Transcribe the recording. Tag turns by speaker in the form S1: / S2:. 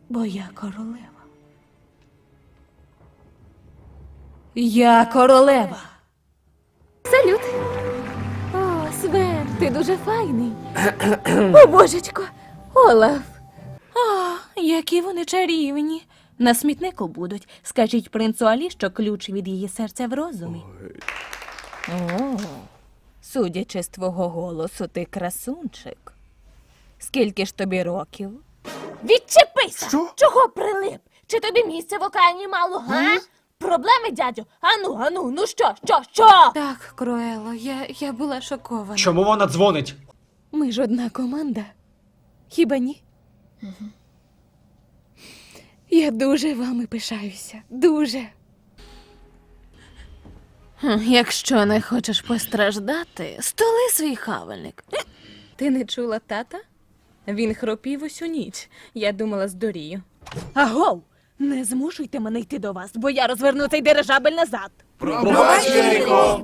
S1: бо я королева. Я королева.
S2: Салют! О, Свен, ти дуже файний. О, божечко! Олаф!
S1: О, які вони чарівні. На смітнику будуть. Скажіть принцу Алі, що ключ від її серця в розумі. О, судячи з твого голосу, ти красунчик. Скільки ж тобі років?
S2: Відчепися!
S3: Що?
S2: Чого прилип? Чи тобі місця в океані мало, га? Проблеми, дядю? Ану, ну що?
S1: Так, Круело, я була шокована.
S3: Чому вона дзвонить?
S1: Ми ж одна команда. Хіба ні? Я дуже вами пишаюся. Дуже. Якщо не хочеш постраждати, столи свій хавальник. Ти не чула тата? Він хропів усю ніч. Я думала, здурію. Агов! Не змушуйте мене йти до вас, бо я розверну цей дирижабель назад.
S3: Пробач, Єрико!